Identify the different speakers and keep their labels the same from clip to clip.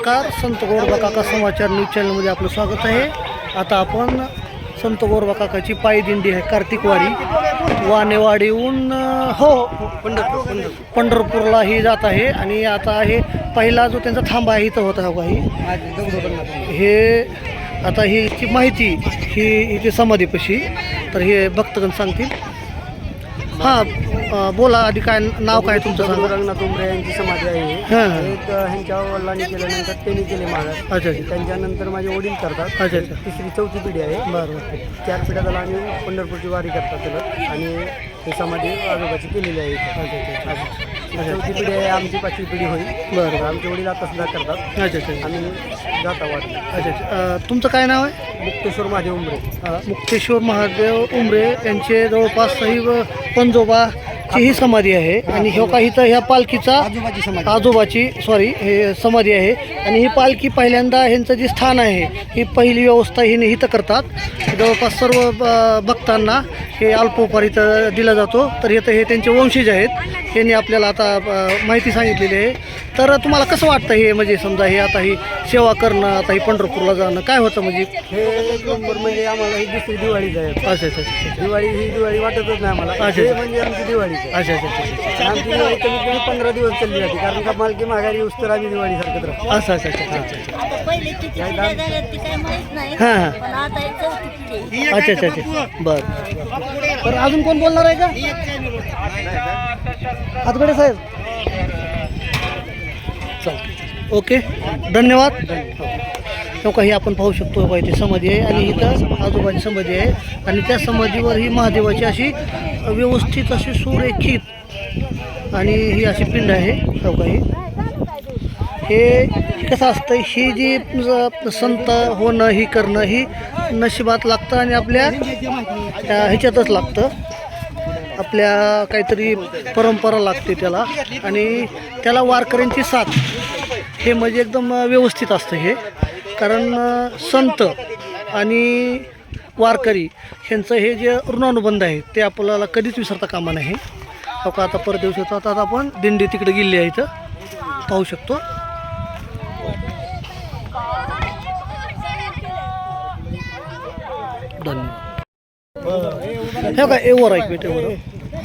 Speaker 1: नमस्कार, संत गोरोबा काका समाचार न्यूज चॅनलमध्ये आपलं स्वागत आहे। आता आपण संत गोरोबा काकाची पायी दिंडी आहे कार्तिक वारी वानेवाडीहून पंढरपूरला ही जात आहे। आणि आता हे पहिला जो त्यांचा थांबा आहे इथं होता काही हे आता ही माहिती ही इथे समाधीपाशी तर हे भक्तगण सांगतील। हां बोला, आधी काय नाव काय तुमचं सांगा।
Speaker 2: रंगनाथ उमरे यांची समाधी आहे। एक ह्यांच्या वडिलांनी केल्यानंतर त्यांनी केले महाराज।
Speaker 1: अच्छा,
Speaker 2: त्यांच्यानंतर माझे वडील करतात।
Speaker 1: अच्छा,
Speaker 2: तिसरी चौथी पिढी आहे।
Speaker 1: बरं,
Speaker 2: 4 पिढ्या झाला आम्ही पंढरपूरची वारी करतात त्याला आणि ही समाधी आजोबाची केलेली आहे। चौथी पिढी आहे, आमची 5वी पिढी होईल।
Speaker 1: बरं,
Speaker 2: आमचे वडील आता सुद्धा करतात।
Speaker 1: अच्छा,
Speaker 2: आम्ही जाता वारी।
Speaker 1: अच्छा, तुमचं काय नाव आहे?
Speaker 2: मुक्तेश्वर महादेव उमरे।
Speaker 1: मुक्तेश्वर महादेव उमरे यांचे जवळपास पंजोबाची ही समाधी आहे। आणि ह्यो काही तर ह्या पालखीचा आजोबाची हे समाधी आहे। आणि ही पालखी पहिल्यांदा ह्यांचं जे स्थान आहे ही पहिली व्यवस्था ही इथं करतात। जवळपास सर्व भक्तांना हे अल्पोपहार इथं दिला जातो। तर हे त्यांचे वंशज आहेत, यांनी आपल्याला आता माहिती सांगितलेली आहे। तर तुम्हाला कसं वाटतं हे म्हणजे समजा हे आता ही सेवा करणं, आता ही पंढरपूरला जाणं काय होतं म्हणजे?
Speaker 2: हे एक नंबर म्हणजे आम्हाला ही दुसरी दिवाळीच आहे।
Speaker 1: अच्छा,
Speaker 2: दिवाळी वाटतच नाही आम्हाला।
Speaker 1: अच्छा,
Speaker 2: म्हणजे आमची दिवाळी।
Speaker 1: अच्छा,
Speaker 2: आमची दिवाळी कमीत कमी 15 दिवस चालली जाते, कारण का मालकी माघारी येऊस तर आम्ही दिवाळी सारखत राहतो।
Speaker 1: अच्छा, बरं। तर अजून कोण बोलणार आहे का? हातगडे साहेब, चल ओके, धन्यवाद। तो काही आपण पाहू शकतो बघा, इथे समाधी आहे आणि इथं आजोबाची समाधी आहे। आणि त्या समाधीवर ही महादेवाची अशी व्यवस्थित अशी सुरेखित आणि ही अशी पिंड आहे। तो काही हे कसं असतं, ही जी संत होणं ही करणं ही नशिबात लागतं आणि आपल्या ह्याच्यातच लागतं, आपल्या काहीतरी परंपरा लागते त्याला। आणि त्याला वारकऱ्यांची साथ हे म्हणजे एकदम व्यवस्थित असतं हे, कारण संत आणि वारकरी ह्यांचं हे जे ऋणानुबंध आहे ते आपल्याला कधीच विसरता कामा नाही। आता परत दिवस होता, आता आपण दिंडी तिकडे गेली आहे, इथं पाहू शकतो। धन्यवाद। हे काय एवर ऐक भेटे।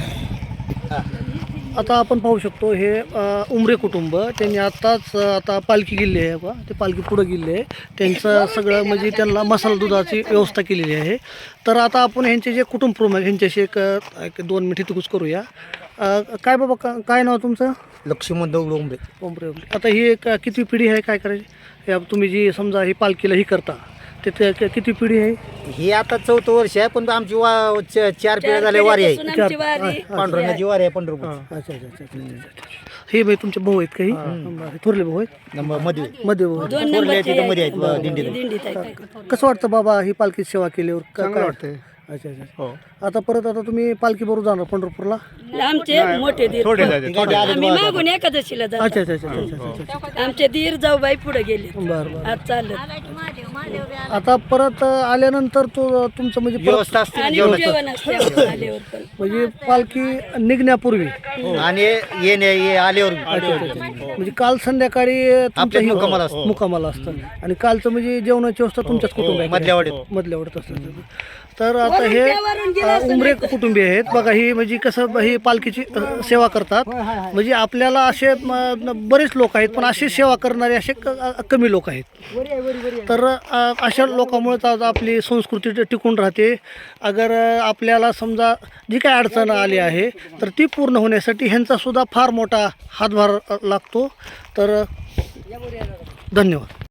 Speaker 1: आता आपण पाहू शकतो हे उमरे कुटुंब त्यांनी आता पालखी गेली आहे बा, ते पालखी पुढं गेली आहे। त्यांचं सगळं म्हणजे त्यांना मसाला दुधाची व्यवस्था केलेली आहे। तर आता आपण ह्यांचे जे कुटुंब प्रमुख ह्यांच्याशी एक 2 मिनिट इतकूच करूया। काय बाबा, काय नाव तुमचं?
Speaker 2: लक्ष्मण दौड उमरे।
Speaker 1: आता ही एक किती पिढी आहे, काय करायची तुम्ही जी समजा ही पालखीला ही करता ते किती पिढी आहे?
Speaker 2: ही आता 4थं वर्ष आहे, पण आमची 4 पिढ्या झाल्या वारी आहे। पांडुरंगाची वारी आहे पंढरपूर।
Speaker 1: अच्छा, हे बाई तुमचे भाऊ आहेत काही? थोरले भाऊ आहेत? मध्ये भाऊ
Speaker 2: दिंडीत।
Speaker 1: कसं वाटतं बाबा ही पालखी सेवा केल्यावर?
Speaker 2: चांगलं वाटतंय।
Speaker 1: अच्छा, आता परत तुम्ही पालखी बरोबर जाणार पंढरपूरला?
Speaker 3: आमचे मोठे दीर आम्ही मागून एकादशीला जातो।
Speaker 1: अच्छा,
Speaker 3: आमचे दीर जाऊबाई पुढे गेले।
Speaker 1: बरं।
Speaker 3: आज चालत
Speaker 1: आता परत आल्यानंतर तुमचं म्हणजे
Speaker 2: व्यवस्था असते
Speaker 3: आणि जेवण असते आल्यावर पण।
Speaker 1: म्हणजे पालखी निघण्यापूर्वी
Speaker 2: आणि आल्यावर
Speaker 1: म्हणजे काल संध्याकाळी तुमच्या मुक्कामाला असतं आणि कालचं म्हणजे जेवणाची व्यवस्था तुमच्याच मधल्यावाडीत असतं। तर आता हे उमरे कुटुंबीय आहेत बघा, ही म्हणजे कसं ही पालखीची सेवा करतात। म्हणजे आपल्याला असे बरेच लोक आहेत, पण अशी सेवा करणारे असे कमी लोक आहेत। तर अशा लोकांमुळे आपली संस्कृती टिकून राहते। अगर आपल्याला समजा जी काही अडचण आली आहे तर ती पूर्ण होण्यासाठी ह्यांचा सुद्धा फार मोठा हातभार लागतो। तर धन्यवाद।